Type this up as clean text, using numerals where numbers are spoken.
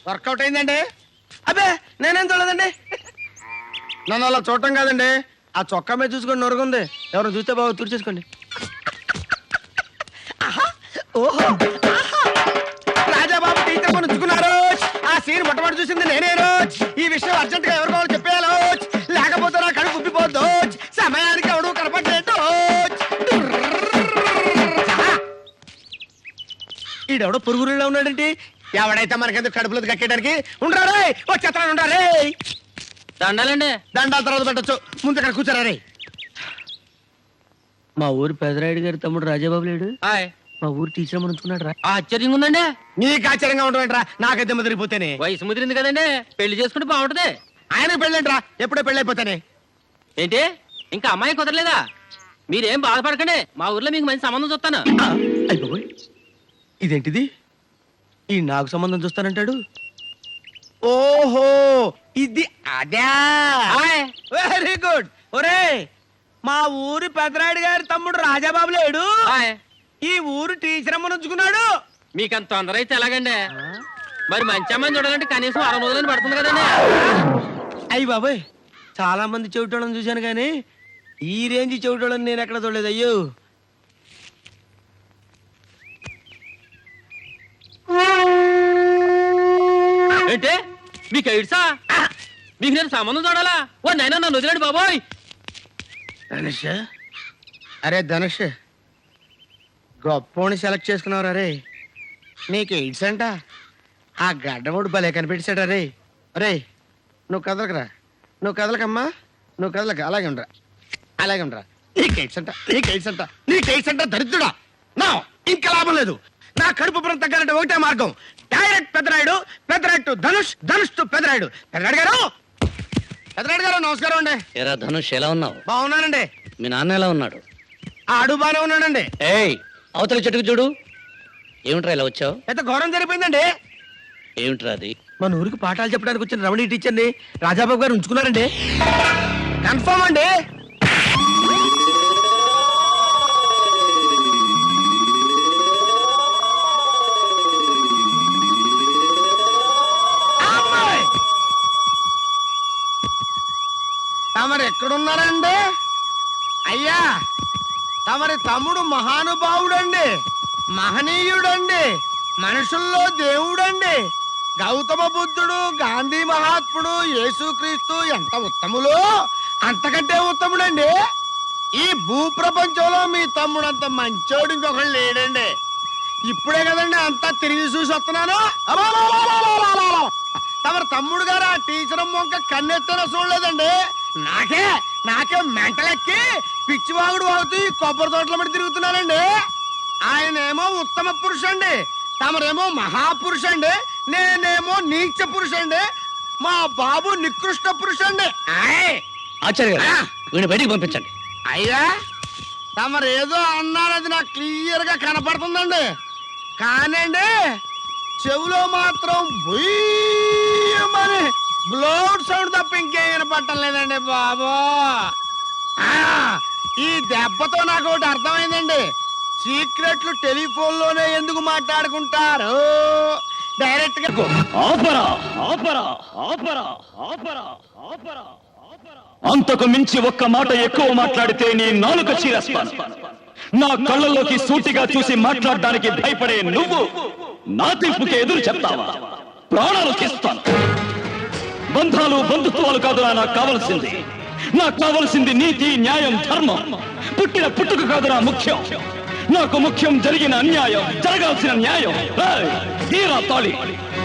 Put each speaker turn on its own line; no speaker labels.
Work out అయిందండి. అబ్బే నేనేం చూడలేదండి. నన్ను అలా చూడటం కాదండి, ఆ చొక్కా మీద చూసుకొని నొరుగుంది. ఎవరు చూస్తే బాబు తుడిచేసుకోండి. ఓహో రాజాబాబు టీచర్ కొని ఉంచుకున్నారు. ఆ సీన్ మొట్టమొదటి చూసింది నేనే రోజు. ఈ విషయం అర్జెంట్ గా ఎవరు కావాలి చెప్పేయాలో, లేకపోతే నా కడుపు ఉబ్బిపోద్దు. సమయానికి ఎవడు కనపడలేదు. ఈడెవడో పురుగురులో ఉన్నాడంటే ఎవడైతే మనకెందుకు కడుపులో కట్టేయడానికి. ఉండరా ఓ చెత్త ఉండరే.
దండాలండి.
దండాల తర్వాత పెట్టచ్చు, ముందు ఇక్కడ కూర్చోరా రే. మా ఊరు పెదరాయుడు గారి తమ్ముడు రాజాబాబు లేడు. మా ఊరు టీచర్ ఉంచుకున్నాడు రా.
ఆశ్చర్యంగా ఉందండి.
నీకు ఆశ్చర్యంగా ఉండవేంట్రా, నాకైతే ముదిరిపోతేనే.
వయసు ముదిరింది కదండి, పెళ్లి చేసుకుంటే బాగుంటది.
ఆయన పెళ్ళేంట్రా, ఎప్పుడో పెళ్ళైపోతానే.
ఏంటి ఇంకా అమ్మాయి కుదరలేదా? మీరేం బాధపడకండి, మా ఊర్లో మీకు మంచి సంబంధం చూస్తాను.
అయిపోయి ఇదేంటిది, ఈ నాకు సంబంధం చూస్తానంటాడు. ఓహో ఇది అదా, వెరీ గుడ్. ఒరే మా ఊరి పెదరాయుడు గారి తమ్ముడు రాజాబాబు లేడు, ఈ ఊరు టీచర్ అమ్మను ఉంచుకున్నాడు.
మీకంత తొందర అయితే ఎలాగండి? మరి మంచి అమ్మాయిని చూడాలంటే కనీసం 6 రోజులని పడుతుంది కదండి.
అయ్యి బాబాయ్, చాలా మంది చెవిటోళ్ళని చూశాను కానీ ఈ రేంజ్ చెవిటోళ్ళని నేను ఎక్కడ చూడలేదు. అయ్యో
ఏంటి మీకు ఎయిడ్సా? మీకు నేను సంబంధం చూడాలా? ఓ నైనా నన్ను వదిలేడు బాబోయ్.
ధనుష్, అరే ధనుష్ గొప్పోని సెలెక్ట్ చేసుకున్నావు రే. నీకు ఎయిడ్స్ అంట. ఆ గడ్డముడు భలే కనిపెట్టాడు రే. అరే నువ్వు కదలకరా, నువ్వు కదలకమ్మా, నువ్వు కదలక. అలాగే ఉండరా, అలాగే ఉండరా. నీకు ఎయిడ్స్ అంట, నీకు ఎయిడ్స్ అంట, నీకు ఎయిడ్స్ అంట. దరిద్రుడా, నా ఇంకా లాభం లేదు. నా కడుపు పురం తగ్గాలంటే ఒకటే మార్గం, direct Pedarayudu, Pedarayudu to Dhanush, Dhanush to Pedarayudu. Pedarayudu garu, Pedarayudu గారు నమస్కారం అండి.
ఏరా ధనుష్, ఎలా ఉన్నావు?
బాగున్నానండి.
మీ నాన్న ఎలా ఉన్నాడు?
ఆడు బానే ఉన్నాడండి.
ఏయ్ అవతల చెట్టుకు చూడు. ఏమిట్రా ఇలా వచ్చావు?
ఎంత ఘోరం జరిగిపోయిందండి.
ఏమిట్రా అది?
మన ఊరికి పాఠాలు చెప్పడానికి వచ్చిన రమణి టీచర్ని రాజాబాబు గారు ఉంచుకున్నారండి. కన్ఫర్మ్ అండి. తమరు ఎక్కడున్నారండి? అయ్యా తమరి తమ్ముడు మహానుభావుడండి, మహనీయుడండి, మనుషుల్లో దేవుడండి. గౌతమ బుద్ధుడు, గాంధీ మహాత్ముడు, యేసుక్రీస్తు ఎంత ఉత్తములో అంతకంటే ఉత్తముడండి. ఈ భూప్రపంచంలో మీ తమ్ముడు అంత మంచోడు ఇంకొకళ్ళు లేడండి. ఇప్పుడే కదండి అంతా తిరిగి చూసి వస్తున్నాను. తమరి తమ్ముడు గారు ఆ టీచర్ మొక్క కన్నెత్తన చూడలేదండి. నాకే మెంటలెక్కి పిచ్చివాగుడు వాగుతూ ఈ కొబ్బరి తోటల మీద తిరుగుతున్నానండి. ఆయనేమో ఉత్తమ పురుషండి, తమరేమో మహాపురుషండి, నేనేమో నీచ పురుషండి, మా బాబు నికృష్ట పురుషండి.
ఆచార్య గారు, వీడిని బయటికి పంపించండి.
అయ్యా తమరేదో అన్నారది నాకు క్లియర్ గా కనపడుతుందండి, కానండి చెవులో మాత్రం బుయ్యమని బ్లోడ్ సౌండ్ తప్ప ఇంకేం వినపడటం లేదండి బాబు. ఈ దెబ్బతో నాకు ఒకటి అర్థమైందండి, సీక్రెట్లు టెలిఫోన్ లోనే ఎందుకు మాట్లాడుకుంటారు, డైరెక్ట్ గా.
అంతకు మించి ఒక్క మాట ఎక్కువ మాట్లాడితే నీ నాలుక చీరేస్తాను. నా కళ్ళల్లోకి సూటిగా చూసి మాట్లాడడానికి భయపడే నువ్వు నా తీర్పుకి ఎదురు చెప్తావా? ప్రాణాలు తీస్తాను. బంధాలు బంధుత్వాలు కాదురా నాకు కావలసింది. నాకు కావలసింది నీతి, న్యాయం, ధర్మం. పుట్టిన పుట్టుక కాదురా ముఖ్యం, నాకు ముఖ్యం జరిగిన అన్యాయం, జరగాల్సిన న్యాయం. తీరా తాళి